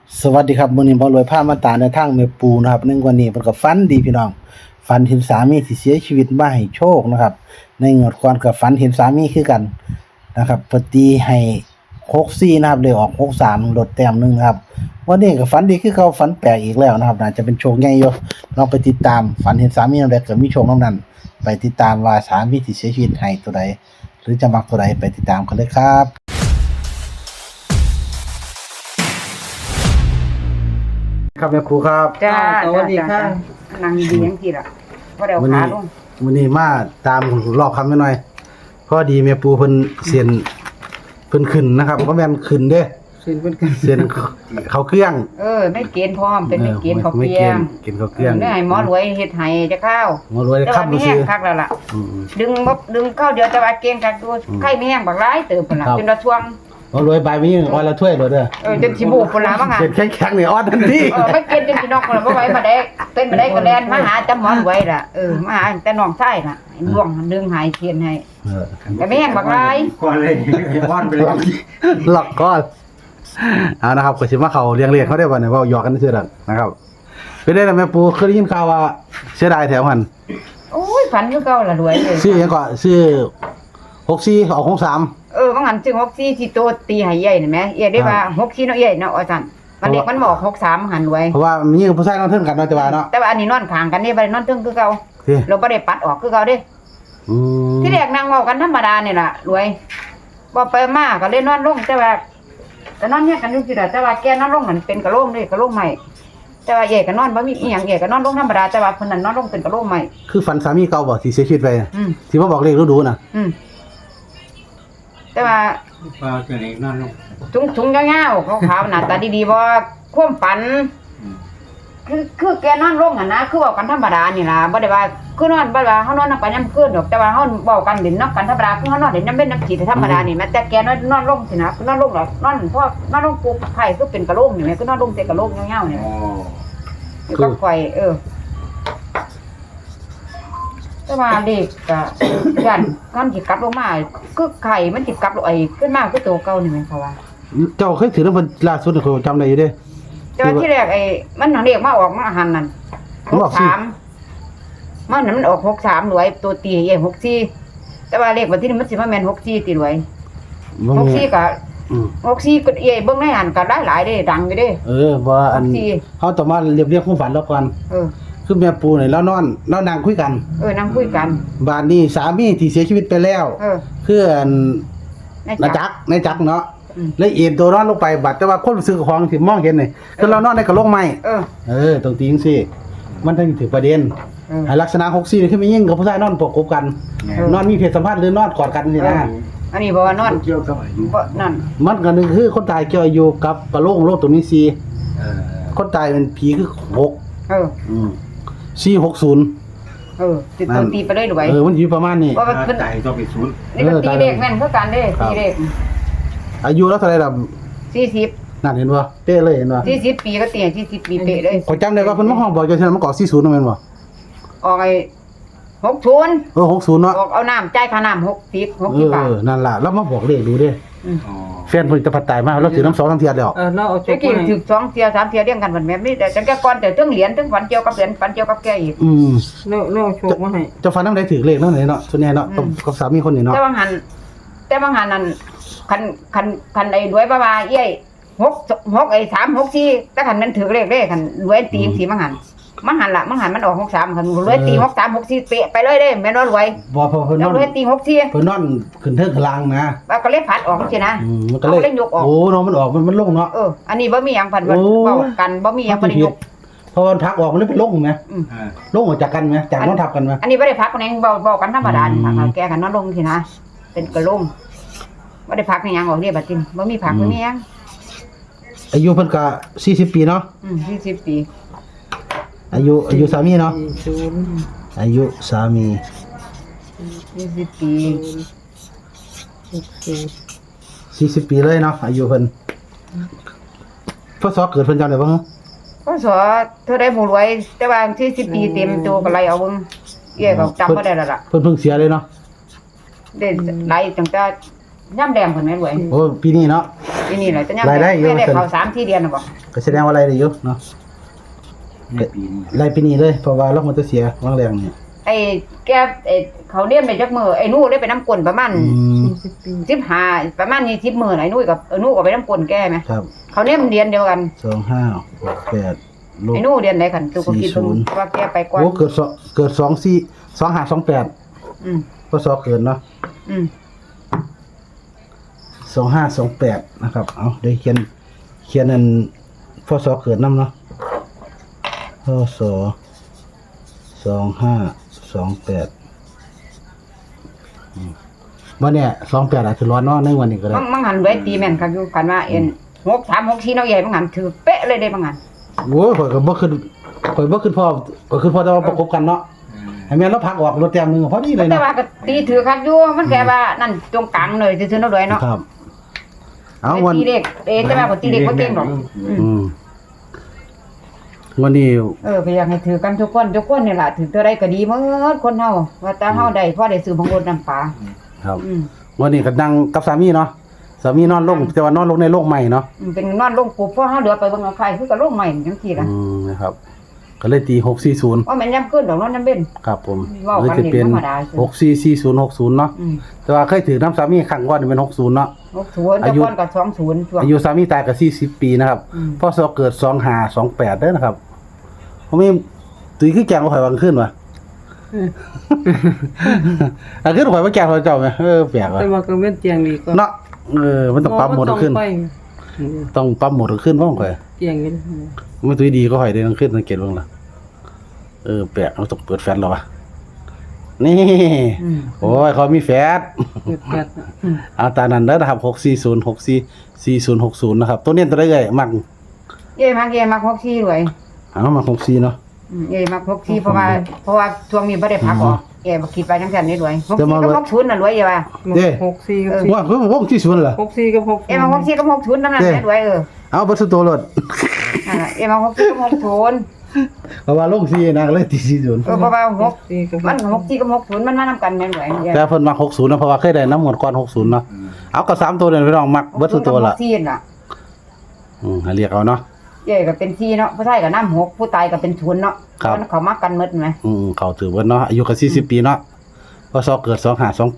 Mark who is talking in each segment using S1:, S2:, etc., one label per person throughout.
S1: สวัสดีครับมื้อนี้บ่รวยพามาตามในทางแม่ปูนะครับในวันนี้เพิ่นก็ฝันดีพี่น้องฝันเห็นสามีที่เสียชีวิตมาให้โชคนะครับในงวดก่อนก็ฝันเห็นสามีคือกันนะครับเพิ่นตีให้64นะครับเลยออก63ลดแต้มหนึงนะครับวันนี้ก็ฝันดีคือเขาฝันแปลกอีกแล้วนะครับน่าจะเป็นโชคใหญ่อยู่ลองไปติดตามฝันเห็นสามีนำใดก็มีโชคนำนั้นไปติดตามว่าสามีที่เสียชีวิตให้ตัวใดหรือจะมักตัวใดไปติดตามกันเลยครับครับแม่ครูครับ
S2: จ้า
S3: สวัสดีค่ะ
S2: นั่งดียังกี่ล่ะพอเดี๋ยว
S1: วัน
S2: ขา
S1: นี้
S2: ลง
S1: วันนี้มาตามรอบคำนิดหน่อยพอดีแม่ปูเพิ่นเสียนเพิ่นขึ้นนะครับก็แม่นขึ้นเด้
S3: สินเป็นกัน
S1: เสียนเขาเครื่อง
S2: ไม่เกณฑ์พร้อมเป็นไม่เกณฑ์เขา
S1: ไม่
S2: เพียง
S1: เกณฑ์เขาเครื่อง
S2: ได้ให้หมอรวยเฮ็ดให้จะเข้า
S1: หมารวย
S2: แต่
S1: ครั
S2: ว่า
S1: บ
S2: มี
S1: บ่
S2: แห้
S1: ซื้
S2: ง
S1: อ
S2: คักแล้วล่ะ
S1: อืม
S2: ดึงเข้าเดียวแต่ว่าเกณฑ์คักดูไข่มีแห้งบักหลายเติบพุ่นล่ะ
S1: ครับ
S2: จนละช่วง
S1: หมารวยใบมีออนละถ้วยเลยเด้อ
S2: จนสิบูพุ่นล่ะว่างั้น
S1: เสียนแข็งๆนี่ออนทันที
S2: ไม่เกณฑ์จนสินอกพุ่นล่ะบ่ไหวมาได้เป็นมาได้ก็แล่นมาหาจำหมอรวยล่ะมาหาแต่น้องชายน่ะล่วงดึงหายเทียนให้
S1: เออ
S2: แต่มีแห้งบักหลาย
S3: ก่อนเลยว่อนไปเลย
S1: หลอกก่อนเอานะครับก็สิมาเข้าเรียงๆเขาได้บ่เนี่ยเว้าหยอกกันซื่อๆดอกนะครับเป็นได้ล่ะแม่ปูเคยได้ยินข่าวว่าเสียดายแถวหัน
S2: โอ้ยฝันคือเก่าล่ะรวยเลย
S1: ชื่อหยังก็ชื่อ64ออก63
S2: ว่างั้นจึง64ที่โตตีให้ใหญ่นี่แหมเอียได้ว่า64เนาะใหญ่เนาะว่าซั่นมันเด็กมันบอก63หันรวย
S1: เพราะว่ามีผู้ชายนอนเทิงกันเนาะแต่ว่าเนาะ
S2: แต่ว่าอันนี้นอนข้างกันนี่บ่ได้นอนเทึงคือเก่า
S1: ที่
S2: เราบ่ได้ปัดออกคือเก่าเด้
S1: อืม
S2: ที่แรกนั่งเว้ากันธรรมดานี่ล่ะรวยบ่ไปมาก็เลยนอนลงแต่ว่าก็นอนเนี่ยกันอยู่ซื่อแต่ว่าแกนอนลงนั่นเป็นกะโหลกเด้กะโหลกใหม่แต่ว่าเอ๋ก็นอนบ่มีอีหยังเอ๋ก็นอนลงธรรมดาแต่ว่าเพิ่นนั่นนอนลงเป็นกะโหลกใหม่
S1: คือฝันสามีเก่าบ่ที่เสียชีวิตไปน่ะ
S2: อืม
S1: ที่มาบอกเลขรู้ดูน่ะ
S2: อืมแต่ว่า
S3: ปลาจะไหนนอนลง
S2: ถุงยาวๆขาวๆหน้าตาดีๆบ่ความฝัน คือแกนอนลงหั่นนะคือเว้ากันธรรมดานี่ล่ะบ่ได้ว่าคือนอนบ่ได้ว่าเฮานอนนำกันยามคืนดอกแต่ว่าเฮาเว้ากันเล่นนำกันธรรมดาคือเฮานอนเล่นน้ำเล่นน้ำขีดธรรมดานี่แม้แต่แกนอนลงสินะคือนอนลงแล้วนอนพอนอนลงปุ๊บไผคือเป็นกะโหลกนี่แหมคือนอนลงแต่กะโหลกยาวๆนี่
S3: อ๋อ
S2: อยู่กับข่อยแต่ว่าเด็กก็ยันกันสิกลับลงมาคือไข่มันสิกลับลงขึ้นมาคือตัวเก่านี่แม่นเขาว่า
S1: เจ้าเคยถือน้ำเพิ่นล่าสุดนี่ข้อยจำได้อยู่เด้
S2: แต่ว่าที่แรกมันเรียกมาออกมาหันนั่น
S1: มันออกสิ
S2: 63มันนั่นมันออก63รวยตัวตีใหญ่64แต่ว่าเลขวันที่นี่มันสิมาแม่น64ติรวย
S1: บ่มี
S2: 64ก็
S1: อืม
S2: 64ก็ใหญ่เบิ่งในหันก็หลายๆเด้ดังอยู่เด้
S1: ว่าอัน
S2: 64
S1: เฮาต้องมาเรียบความฝันเราก่อน
S2: เออ
S1: คือแม่ปูนี่เรานอนเรานั่งคุยกัน
S2: นั่งคุยกัน
S1: บาดนี้สามีที่เสียชีวิตไปแล้ว
S2: เออ
S1: คืออัน
S2: ใน
S1: นาจักรในจักรเนาะ
S2: อืม
S1: แล้วเอ็นตัวนอนลงไปบัดแต่ว่าคนรู้สึกของที่มองเห็นนี่คือเรานอนในกระโหลกไม้
S2: เออ
S1: ตรงตีจังซี่มันถึงถึงประเด็น
S2: เออ
S1: ให้ลักษณะ64นี่คือมียิ่งกับผู้ชายนอนประกบกัน นอนมีเพศสัมพันธ์หรือนอนกอดกันนี่นะ
S2: อันนี้บ่ว่านอน
S3: เกี่ยวกับอายุ
S2: บ่นั่น
S1: มันก็หนึงคือคนตายเกี่ยวอายุกับกระโหลกโลกตัวนี้สี่
S3: เออ
S1: คนตายเป็นผีคือ6
S2: เออ
S1: 460
S2: ติดตัวตีไปเลยรวย
S1: มันอยู่ประมาณนี้
S2: ว่ามัน
S3: ถ้าใจต้องไปศูนย์
S2: นี่ก็ตีเลขแม่นคือกันเด้ตีเลข
S1: อายุแล้วเท่าไหร่ล่ะ
S2: 40
S1: นั่นเห็นบ่เป๊ะเลยเห็นบ่
S2: 40ปีก็ตี40ปีเป๊ะเลย
S1: ขอยจำได้ว่าเพิ่นมาห้องบอกจังซั่นมันก็40นั่นแม่นบ่
S2: ออก60
S1: 60เนาะ
S2: ออกเอาน้ำจ่ายค่าน้ำ60บาท
S1: นั่นล่ะแล้วมาบอกเลขดูเด้
S3: อ๋อ
S1: แฟนเพิ่นจะพัดตายมาเราถือน้ำ2น้ำเทียดแล้ว
S3: เราเอาจ
S2: ตะ
S3: บ
S2: กี้
S3: มา
S2: ถึก2เที่ย3เที่ยเรียงกันบัดแม่นมีแต่จังแกก่อนแต่เรื่องเหรียญเรื่องฝันเกี่ยวกับเหรียญฝันเกี่ยวกับแกอีก
S3: เราโชคมาให้
S1: เจ้าฟันน้ำใดถือเลขนั่นเลยเนาะส่วนใหญ่เนาะกับสามีคนนี้เนาะ
S2: แต่บางหันนั่นคันไอ้รวยบ้าๆเอ้ย6ไอ้3 6 4แต่คันมันถือเลขเด้คันรวยตีจังซี่มันหันล่ะมันออก63คันรวยตี63 64เป๊ะไปเลยเด้แม่นว่ารวย
S1: บ่พอเพิ่นน
S2: แล้ว
S1: อน
S2: รวยตี64
S1: เพิ่นนอนขึ้นเทิงข้างล่างนะ
S2: แล้วก็เลยพัดออกจังซี่นะ
S1: มันก็เลย
S2: เอาเล่นยกออก
S1: โอ้น้องมันออกมันลงเนาะ
S2: อันนี้บ่มีหยังพัน
S1: โอ้
S2: เว้ากันบ่มีหยังบ่ได้ยก
S1: เพราะมันพักออกมันเลยเป็นลงไหม
S3: อ่า
S1: ลงออกจากกันไหมจากนอนทับกันไหม
S2: อันนี้บ่ได้พักกันเองเว้ากันธรรมดานี่ค่ะแกกันนอนลงซี่นะ เป็นกระลงบ่ได้พักในหยังออกเด้บัดนี้บ่มีพักบ่มีหยัง
S1: อายุเพิ่นก็40 ปีเนาะ
S2: 40 ปี
S1: อายุสามีเนาะ
S3: ศูนย์
S1: อายุสามี
S2: 40 ปี
S1: 40 ปีเลยเนาะอายุเพิ่นพศเกิดเพิ่นจำได้บ่ฮะ
S2: พศเท่าใดบ่รวย แต่ว่า40 ปีเต็มตัวก็ไล่เอาเบิ่งเอ้ยก็จำบ่ได้แล้วล่ะ
S1: เพิ่นเพิ่งเสียเลยเนาะ
S2: ได้ไล่ตั้งแต่ย่ำแดงเพิ่นแม่รวย
S1: โอ้ปีนี้เนาะ
S2: ทีนี้แหละจะย่ำ
S1: รายได้เยอะ
S2: แม่ได้เข้า3 4เดือนน่ะบ่
S1: ก็แสดงว่าอะไรได้อยู่เนาะ
S3: ในปีนี้
S1: รายปีนี้เลยเพราะว่าเรามันจะเสียวางแรงนี่
S2: ไอ้แกเขาเรียนไปจักมื้อไอ้หนูได้ไปน้ำกลนประมาณ
S3: 40 ปี
S2: 15ประมาณ20มื้อไอ้หนูกับหนูก็ไปน้ำกลนแกไหม
S1: ครับ
S2: เขาเรียนเรียนเดียวกัน
S1: 2568ลบ
S2: ไอ้หนูเรียนได้กันตูก็คิดเบิ่ง
S1: 40
S2: ว่าแกไปก่อน
S1: โอ้เกิด2528
S2: อืม
S1: พศเกิดเนาะ
S2: อืม
S1: 2528นะครับเอาได้เขียนอันพศเกิดนำเนาะพศ2528วันเนี้ย28อาจจะร้อนเนาะในวันนี้ก็ได้
S2: มังหันไว้ตีแม่นคักอยู่กันว่า6 3 6 4เนาะใหญ่มังหันถือเป๊ะเลยเด้มังหัน
S1: โอ้ยข่อยก็บ่ขึ้นพ่อแต่ว่าประกบกันเนาะให้แม่นเราพักออกรถแต้มนึงพอดีเลย
S2: แต่
S1: เนาะ
S2: ว่าก็ตีถือคักอยู่มันแกว่านั่นตรงกลางเลยซื่อๆเนาะด้วยเนาะ
S1: ครับเอาวัน
S2: ตีเด็กแต่ว่าก็ตีเด็กบ่เก่งหรอก
S1: วันนี้
S2: ก็อยากให้ถือกันทุกคนนี่ล่ะถือเท่าใดก็ดีหมดคนเฮาว่าแต่เฮาได้พอได้ซื้อของรถน้ำปลา
S1: ครับ
S2: อืม
S1: วันนี้ก็นั่งกับสามีเนาะสามีนอนลงแต่ว่านอนลงในโลกใหม่เนาะ
S2: เป็นนอนลงปุ๊บพอเฮาเหลือไปเบิ่งเอาใครคือก็ลงใหม่จังซี่ล่ะ
S1: นะครับ ก็เลยตี640
S2: ว่าแม่นยามขึ้นดอกนอนน้ำเบ็น
S1: ครับผม
S2: เว้า
S1: เลย
S2: กัน
S1: จะเป็น
S2: ธรรมดา
S1: 644060เนาะ
S2: อืม
S1: แต่ว่าเคยถือน้ำสามีครั้งก่อนเป็น60เนาะ
S2: 60แต่ก่อนก็20ช่วง
S1: อายุสามีตายก็40 ปีนะครับ
S2: อืม
S1: พศเกิด2528เด้อนะครับผมมีตุ้ยคือแกงบ่ข่อยวางขึ้นวะอันขึ้นข่อยว่าแกงข่อยเจ้าแม่แปลกว่ะ
S3: แต่ว่าก็เว้นเตียงนี่ก็
S1: เนาะมันต้องปรับโหมดขึ้น ต้องปรับโหมดขึ้นบ่ข่อย
S3: เตียงนี่
S1: มันตุ้ยดีก็ข่อยได้ต้องขึ้นสังเกตเบิ่งล่ะแปลกเราต้องเปิดแฟลชแล้ววะนี่
S2: อืม
S1: โอ้ยเขามีแฟลช
S3: เปิดแปด
S1: เอาตามนั้นเด้อนะครับ640644060นะครับตัวเนี้ยตัวได้เอ้ยมัก
S2: เอ้มัก64ด้วย
S1: เอามา64เนาะ
S2: มัก64เพราะว่าช่วงนี้บ่ได้พักออกบ่คิดไปจังซั่นนี่ด้วย64
S1: จะมา
S2: กับ60น่ะรวยอย่าว่า
S3: 64กับ
S1: ว่าคือวงที่ศูนย์เหรอ
S3: 64กับ6
S2: มัก64กับ60นำนั้นแม่ด้วย
S1: เอาเบิดสุดตัวรถ
S2: นั่นน่ะมัก64กับ60
S1: เพราะว่าลงซีนะก็เลยตี40
S2: เพราะว่า
S3: 64กับ
S2: มัน64กับ60มันมานำกันแม่นด้วย
S1: แต่เพิ่นมัก60นะเพราะว่าเคยได้น้ำหมดก่อน60เนาะเอาก็3ตัวเนี่ยพี่น้องมักเบิดสุดตัวละ
S2: 64น่ะ
S1: ให้เรียกเอาเนาะ
S2: ก็เป็น4เนาะผู้ชายก็นำ6ผู้ตายก็เป็น0เนาะ
S1: ครับ
S2: มันเขามากันหมดแม่
S1: เขาถือเบิดเนาะอายุก็40 ปีเนาะพศเกิด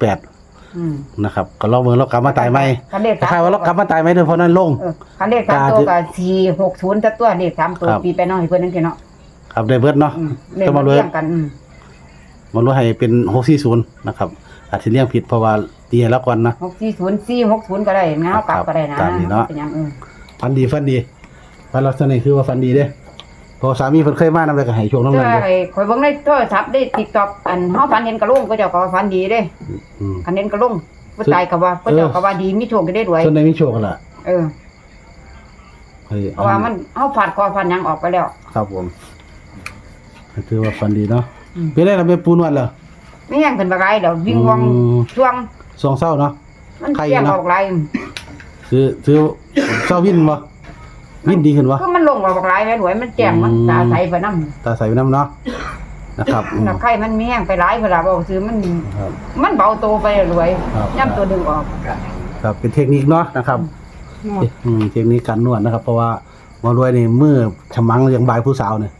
S1: 2528นะครับก็ลองเบิ่งแล้วกลับมาตายใหม่
S2: คันเลข
S1: คล้ายๆว่าเรากลับมาตายใหม่เด้อเพราะนั้นลง
S2: คันเลข3ตัวก็460แต่ตัวเลข3ตัว
S1: ครับ
S2: ปีไปเนาะให้เพิ่นจังซี่เนาะ
S1: ครับได้เบิดเนาะ
S2: เลข
S1: จะ
S2: มั
S1: มาน รวย
S2: เรียงกัน
S1: มันรู้ให้เป็น640นะครับอาจสิเรียงผิดเพราะว่าตีให้แล้วก่อนนะ
S2: 640 460ก็ได้นะเอากลับก็ได้นะ
S1: ตามนี้เนาะ
S2: เป็นหยัง
S1: ฟันดีฟันลักษณะคือว่าฟันดีเด้เพอสามีเพิ่นเคยมานำแล้วก็ให้ช่วงนั้น
S2: เจ้า
S1: นั้นเด้
S2: ไอ้ข่อยเบิ่งในโทรศัพท์ได้ TikTok อันเฮาฝันเห็นกระโหลกก็เจ้าก็ว่าฝันดีเด้
S1: อืม
S2: คันเห็นกระโหลกผู้ตายก็ว่าผู้เจ้าก็ว่าดีมีโชคก็ได้รวย
S1: ส่วนใดมีโชคกันล่ะ
S2: เออ
S1: เฮ้ย
S2: เพราะว่ามันเฮาฟาดคอฟันหยังออกไปแล้ว
S1: ครับผมถือว่าฟันดีเนาะ
S2: อืม
S1: เป็นไรล่ะแม่ปูนวดเหรอ
S2: ไม่ยังเป็นบ่ไรเดี๋ยววิ่งวอง
S1: อืม
S2: ช่วง
S1: สองเศร้าเนาะ
S2: มัน
S1: ใคร
S2: เสียง
S1: เนาะ
S2: ออกไร
S1: ถือเศร้าวินบ่วินดีขึ้นบ่
S2: ก็มันลงออกไรแม่รวยมันแจ้งมันตาใสไปนำ
S1: ตาใสไปน้ำเนาะนะครับอืม
S2: ถ้าไข้มันมีแห้งไปหลายเวลาบ่ซื้อมัน
S1: ครับ
S2: มันเบาโตไปรวย
S1: ครับ
S2: ย่ำตัวดึงออก
S1: ครับเป็นเทคนิคเนาะนะครับเทคนิคการนวดนะครับ เพราะว่าหมารวยนี่มือฉมังเลี้ยงบายผู้สาวเนี่ย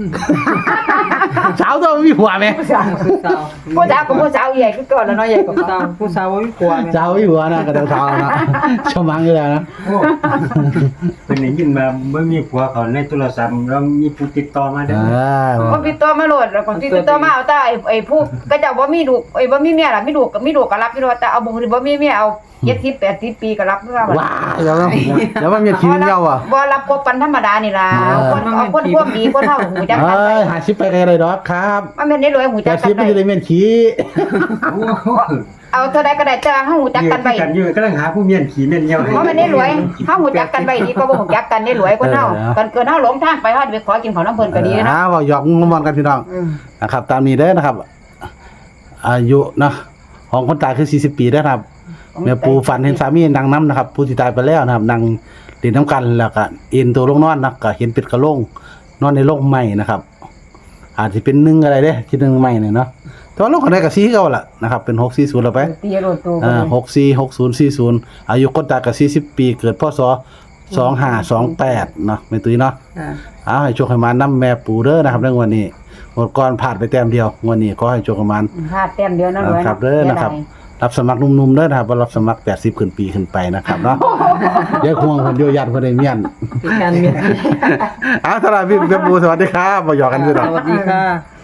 S1: สาวต้องมีผัวไหม
S2: ผู้สาว
S3: ผู้สาว
S2: ผู้สาวกับผู้สาวใหญ่คือก่อนแล้วเนาะใหญ่กว่า
S3: ผู้สาวผู้สาวบ่มีผัวแม่
S1: สาวมีผัวนะกระเดาสาวนะฉมังอยู่แล้วนะ
S4: โอ้เป็นได้ยินมาเมื่อมีผัวเขาในโทรศัพท์แล้วมีผู้ติดต่อมาได้
S2: บ่ติดต่อมาโลดแล้วก็ติดต่อมาเอาแต่ไอ้ผู้ก็เจ้าบ่มีลูกบ่มีเมียล่ะมีลูกก็รับอยู่แต่เอาบ่มีเมียเอา70 80ปีก็รับคือว่า
S1: ว้ายเดี๋ยวมันมีทีมเงาอ่ะ
S2: บ่รับกบกันธรรมดานี่ล่ะเอาคนพวกดีคนเฮาหูจักกัน
S1: เอ้
S2: ไป
S1: ยหาชิปไปไกลเลยดอกครับ
S2: มันแม่นได้รวยหู
S1: แต่
S2: จักกั
S1: ชิ
S2: น
S1: ป
S2: ไป
S1: ไม่ได้เมียนขี้
S4: โอ้โห
S2: เอาเท่าใดก็ได้แต่เฮาหูจักกันไป
S4: กันอยู่กำลังหาผู้เมียนขี่เมียนเหี่ยว
S2: เพราะมันได้รวยเฮาหูจักกันไปดีก็บ่หูจักกันได้รวยคนเฮากันเกินเฮาหลงทางไปเฮาไปขอกินของน้ำเพิ่นก็ดีนะ
S1: ว่าหยอกงมอนกันพี่น้องนะครับตามนี้เด้อนะครับ อายุนะของคนตายคือ40 ปีเด้อครับแม่ปูฝันเห็นสามีนางน้ำนะครับ ผู้ที่ตายไปแล้วนะครับนางเล่นน้ำกันแล้วก็เอ็นตัวลงนอนนะก็เห็นเป็ดกระโหลงนอนในโลกใหม่นะครับ อาจจะเป็น1อะไรเด้ที่1ใหม่เนี่ยเนาะแต่ว่าลงกันได้กับ4เก่าล่ะนะครับเป็น640แล้วไป
S2: ตีโรดตัว
S1: 646040อายุคนตายก็40 ปีเกิดพศ2528เนาะแม่ตุ้ยเนาะ
S3: ค่ะ
S1: เอาให้โชคให้มานำแม่ปู่เด้อนะครับในวันนี้หมดก่อนผ่านไปแต้มเดียวงวันนี้ก็ให้โชคให้มาน
S2: พลาดแต้มเดียวนั่นเลย
S1: ครับเด้อนะครับ รับสมัครหนุ่มๆเด้อนะครับบ่รับสมัคร80ขึ้นปีขึ้นไปนะครับเนาะอย่าห่วงคนเดียวยัดบ่ได้เมียน
S3: เป็นการเมียน
S1: เอาสำหรับพี่เต็มปูสวัสดีครับบ่หยอกกันคือดอก
S3: สวัสดีค่ะ